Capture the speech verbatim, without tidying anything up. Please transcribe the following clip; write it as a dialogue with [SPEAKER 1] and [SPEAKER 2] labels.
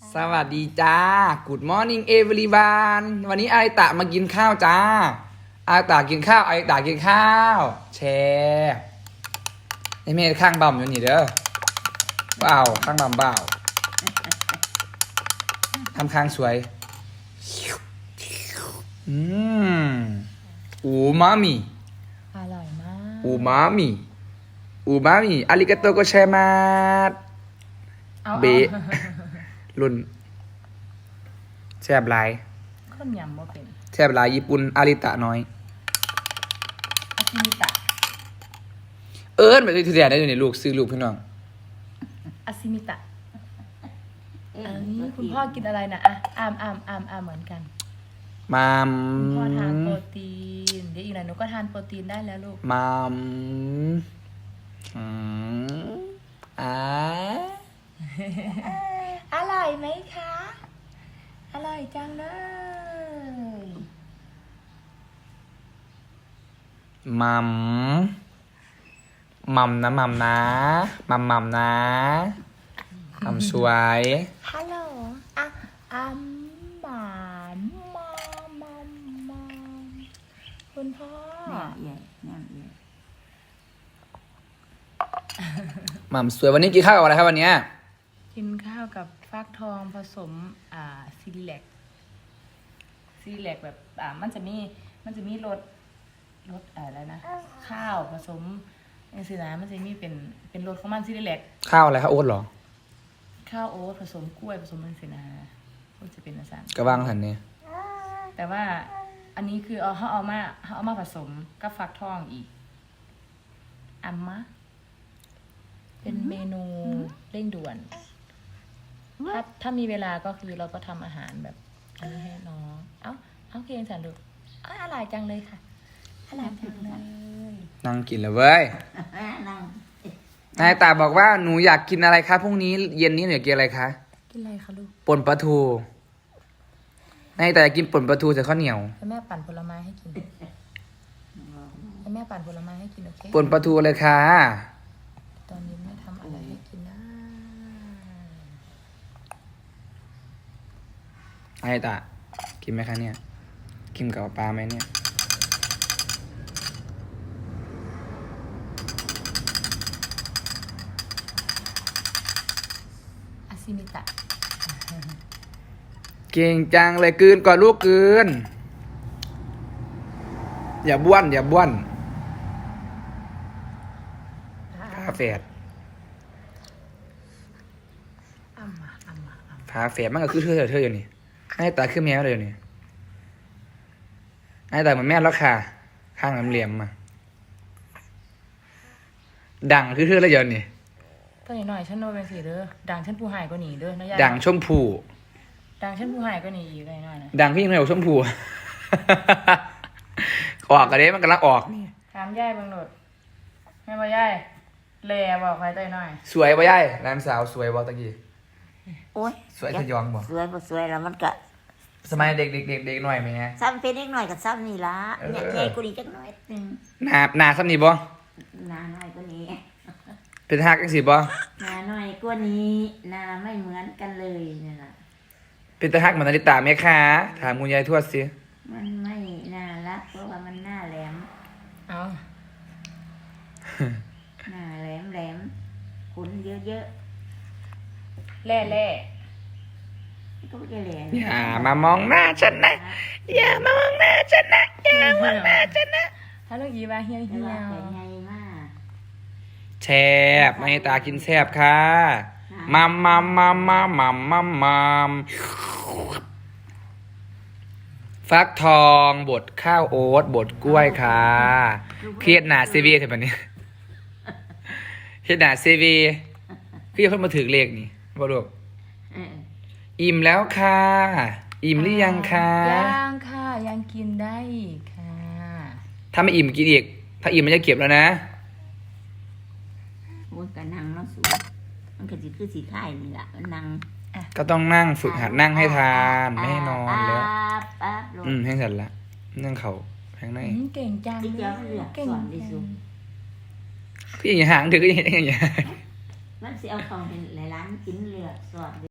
[SPEAKER 1] สวัสดีจ้า Good morning everyone วันนี้ไอตะมากินข้าวจ้าไอตะกินข้าวไอตะกินข้าวแชร์ไอเมย์ข้างบ่มอยู่นี่เด้อเปล่าข้างบ่มเปล่าทำข้างสวยอืมอูมามิ
[SPEAKER 2] อร่อยมาก
[SPEAKER 1] อูมามิอูมามิอาริกาโตโกเชมาส
[SPEAKER 2] เอา
[SPEAKER 1] เบะ รุ่นแซ่บหลาย
[SPEAKER 2] ข้นยำบ่เป็น
[SPEAKER 1] แซ่บหลายญี่ปุ่นอาริตะน้อย
[SPEAKER 2] อากิมิตะ
[SPEAKER 1] เอิ้นไปที่เดียได้อยู่ในลูกซื้อลูกพี่น้อง
[SPEAKER 2] อาซิมิตะอันนี้คุณพ่อกินอะไรนะอ่ะอามอามอามอามเหมือนกัน
[SPEAKER 1] มาม
[SPEAKER 2] คุณพ่อทานโปรตีนเดี๋ยวอีกหน่อยหนูก็ทานโปรตีนได้แล้วลูก
[SPEAKER 1] มามอืมอ่า
[SPEAKER 2] อร่อยไหมคะ อร่อยจังเลย
[SPEAKER 1] มัมมัมนะมัมนะมัมมัมนะมัมสวย
[SPEAKER 2] ฮัลโหลอ่ะอัมหมามามามาคุณพ่อ
[SPEAKER 3] แม่ใหญ่แม่ใหญ่
[SPEAKER 1] มัมสวยวันนี้กินข้าวกับอะไรครับวันเนี้ย
[SPEAKER 2] กินข้าวกับฟักทองผสมอ่าซีแลกซีแลกแบบอ่ามันจะมีมันจะมีรสรสอะไรนะข้าวผสมอย่างสินะมันจะมีเป็นเป็นรสของมันซีแลก
[SPEAKER 1] ข้าวอะไรครับโอ๊ตเหรอ
[SPEAKER 2] ข้าวโอ๊ตผสมกล้วยผสมมันสินะก็จะเป็นอาสาร
[SPEAKER 1] กระวังหันเนี่ย
[SPEAKER 2] แต่ว่าอันนี้คือเอาเขาเอามาเขาเอามาผสมกับฟักทองอีกอัมมะเป็นเมนูเร่งด่วน ถ้าถ้ามีเวลาก็คือเราก็ทำอาหารแบบอันนี้ให้น้อง เอ้า เอาเคียงสันดูอ้าวอร่อยจังเลยค่ะ อร่อยจังเลย
[SPEAKER 1] นั่งกินเลยเว้ย
[SPEAKER 3] นั่ง
[SPEAKER 1] นายตาบอกว่าหนูอยากกินอะไรคะพรุ่งนี้เย็นนี้หนูอยากกินอะไรคะ
[SPEAKER 2] กินอะไรคะลูก
[SPEAKER 1] ป่นปลาทูนายตาอยากกินป่นปลาทูใส่ข้าวเหนียว
[SPEAKER 2] ให้แม่ปั่นผลไม้ให้กินให้แม่ปั่นผลไม้ให้กินโอเค
[SPEAKER 1] ป่นปลาทูเลยค่ะ
[SPEAKER 2] ตอนนี้แม่ทำอะไรให้กินนะ
[SPEAKER 1] นายตากินไหมคะเนี่ย กินกับปลาไหมเนี่ย
[SPEAKER 2] อาซิมิตะ
[SPEAKER 1] เก่งจังเลยกลืนก่อนลูกกลืน อย่าบ้วนอย่าบ้วนพาแฝด
[SPEAKER 2] อัมมาอัมมาอัม
[SPEAKER 1] พาแฝดมันก็คือเธอเธออยู่นี่นายตาคือแมวเลยอยู่นี่นายตาเหมือนแม่แล้วค่ะ ข้างเหลี่ยมๆมา ดังคือเธอแล้วเดี๋ยวนี่
[SPEAKER 2] ตัวนี้หน่อยฉันโนเป็นสีเด้อดังฉันผู้หายก็หนีเด้อนะยาย
[SPEAKER 1] ดังชมพู
[SPEAKER 2] ดังฉันผู้หายก็หนีอยู่เลยหน่อยนะ
[SPEAKER 1] ดังพี่เหนียวชมพู ออกกันเด้มันกำลังออกนี่
[SPEAKER 2] ถามยายเบังโหนดแม่บ่ยายแลบอกใครตัวหน่อย
[SPEAKER 1] สวยป่ะยายนางสาวสวยบ่ตะกี้
[SPEAKER 3] โอ้ย
[SPEAKER 1] สวยทะยองบ่
[SPEAKER 3] สวยบ่สวยแล้วมันก็
[SPEAKER 1] สมัยเด็กเด็กเด็กเด็กหน่อยไหมฮะ
[SPEAKER 3] ซ้ำเป็นเล็กหน่อยกับซ้ำนี่ละ
[SPEAKER 1] เออ
[SPEAKER 3] เนี่ยใหญ่กูนี่จักหน่อยหนึง
[SPEAKER 1] หนาหนาซ้ำนี่บ่
[SPEAKER 3] หนาน้อยกว่านี้
[SPEAKER 1] เป็นฮักจังสิบ่
[SPEAKER 3] หนาน้อยกว่านี้หนาไม่เหมือนกันเลยนี่ล่ะ
[SPEAKER 1] เป็นตาฮักเหมือนนาฬิตาไหมคะถามคุณยายทวดสิ
[SPEAKER 3] มันไม่น่ารักเพราะว่ามันหน้าแหลม
[SPEAKER 2] เอา
[SPEAKER 3] หน้าแหลมแหลมขนเยอะ
[SPEAKER 2] แล่แล่
[SPEAKER 3] ๆก็ไม่ได้แหลม
[SPEAKER 1] อย่ามามองหน้าฉันนะอย่ามามองหน้าฉันนะอย่ามองหน้าฉันนะ
[SPEAKER 2] ฮัลโหลอีว่าเฮีย
[SPEAKER 3] แต่
[SPEAKER 2] เฮีย
[SPEAKER 3] ว่าแต่ใหญ่มาก
[SPEAKER 1] แซ่บนาฬิตากินแซ่บค่ะมัมมัมมัมมัมมัมมัมมัมฟักทองบดข้าวโอ๊ตบดกล้วยค่ะเครียดหนาซีวีเถอะแบบนี้เครียดหนาซีวีพี่เขามาถือเลขนี่บ่ลูก
[SPEAKER 3] เออ
[SPEAKER 1] อิ่มแล้วค่ะ อิ่มหรือยังคะ
[SPEAKER 2] ยังค่ะยังกินได้อีกค่ะ
[SPEAKER 1] ถ้าไม่อิ่มกินอีก ถ้าอิ่มมันจะเก็บแล้วนะ
[SPEAKER 3] โอ้ยก็นั่งเนาะสูงมันก็สิคือสีข่ายนี่ล่ะมันนั่ง
[SPEAKER 1] ก็ต้องนั่งฝึกหัดนั่งให้ทานไม่ให้นอนแล้ว
[SPEAKER 3] ปั๊บปั๊บลง
[SPEAKER 1] อืมให้เสร็จละนั่งเขาแพงใน
[SPEAKER 2] อืมเก่งจัง
[SPEAKER 3] ที่เดียวเลือก
[SPEAKER 2] เก่ง
[SPEAKER 3] สอนดิ
[SPEAKER 2] จั
[SPEAKER 3] สุ
[SPEAKER 2] ง
[SPEAKER 1] พี่อย่างห่างถือก็อย่างอย่าง
[SPEAKER 3] มันสิเอาของเป็นหลายร้านกินเลือกสอน